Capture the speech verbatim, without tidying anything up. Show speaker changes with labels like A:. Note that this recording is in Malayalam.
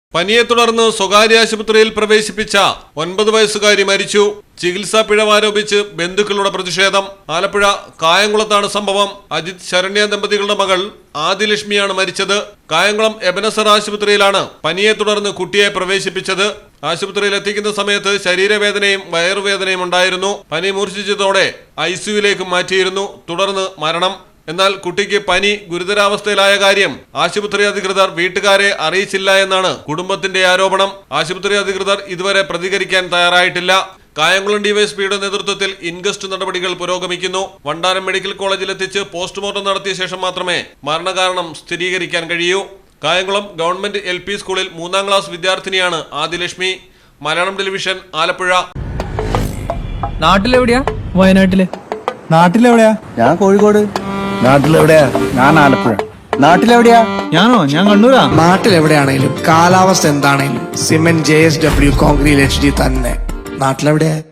A: പനിയെ തുടർന്ന് സ്വകാര്യ ആശുപത്രിയിൽ പ്രവേശിപ്പിച്ച ഒൻപത് വയസ്സുകാരി മരിച്ചു. ചികിത്സാ പിഴവാരോപിച്ച് ബന്ധുക്കളുടെ പ്രതിഷേധം. ആലപ്പുഴ കായംകുളത്താണ് സംഭവം. അജിത് ശരണ്യ ദമ്പതികളുടെ മകൾ ആദിലക്ഷ്മിയാണ് മരിച്ചത്. കായംകുളം എബനസർ ആശുപത്രിയിലാണ് പനിയെ തുടർന്ന് കുട്ടിയെ പ്രവേശിപ്പിച്ചത്. ആശുപത്രിയിൽ എത്തിക്കുന്ന സമയത്ത് ശരീരവേദനയും വയറുവേദനയും ഉണ്ടായിരുന്നു. പനി മൂർച്ഛിച്ചതോടെ ഐ സിയുയിലേക്ക് മാറ്റിയിരുന്നു. തുടർന്ന് മരണം. എന്നാൽ കുട്ടിക്ക് പനി ഗുരുതരാവസ്ഥയിലായ കാര്യം ആശുപത്രി അധികൃതർ വീട്ടുകാരെ അറിയിച്ചില്ല എന്നാണ് കുടുംബത്തിന്റെ ആരോപണം. ആശുപത്രി അധികൃതർ ഇതുവരെ പ്രതികരിക്കാൻ തയ്യാറായിട്ടില്ല. കായംകുളം ഡിവൈഎസ്പിയുടെ നേതൃത്വത്തിൽ ഇൻക്വസ്റ്റ് നടപടികൾ പുരോഗമിക്കുന്നു. വണ്ടാനം മെഡിക്കൽ കോളേജിൽ എത്തിച്ച് പോസ്റ്റ്മോർട്ടം നടത്തിയ ശേഷം മാത്രമേ മരണകാരണം സ്ഥിരീകരിക്കാൻ കഴിയൂ. കായംകുളം ഗവൺമെന്റ് എൽ പി സ്കൂളിൽ മൂന്നാം ക്ലാസ് വിദ്യാർത്ഥിനിയാണ് ആദിലക്ഷ്മി. മലയാളം ടെലിവിഷൻ, ആലപ്പുഴ.
B: നാട്ടിലെവിടെയാ? വയനാട്ടില്.
C: നാട്ടിലെവിടെയാ? ഞാൻ കോഴിക്കോട്.
D: നാട്ടിലെവിടെയാ?
C: ഞാൻ ആലപ്പുഴ. നാട്ടിലെവിടെയാ?
D: ഞാനോ? ഞാൻ കണ്ണൂരാ.
E: നാട്ടിലെവിടെയാണേലും കാലാവസ്ഥ എന്താണേലും cement J S W concrete H D തന്നെ. നാട്ടിലെവിടെയാ?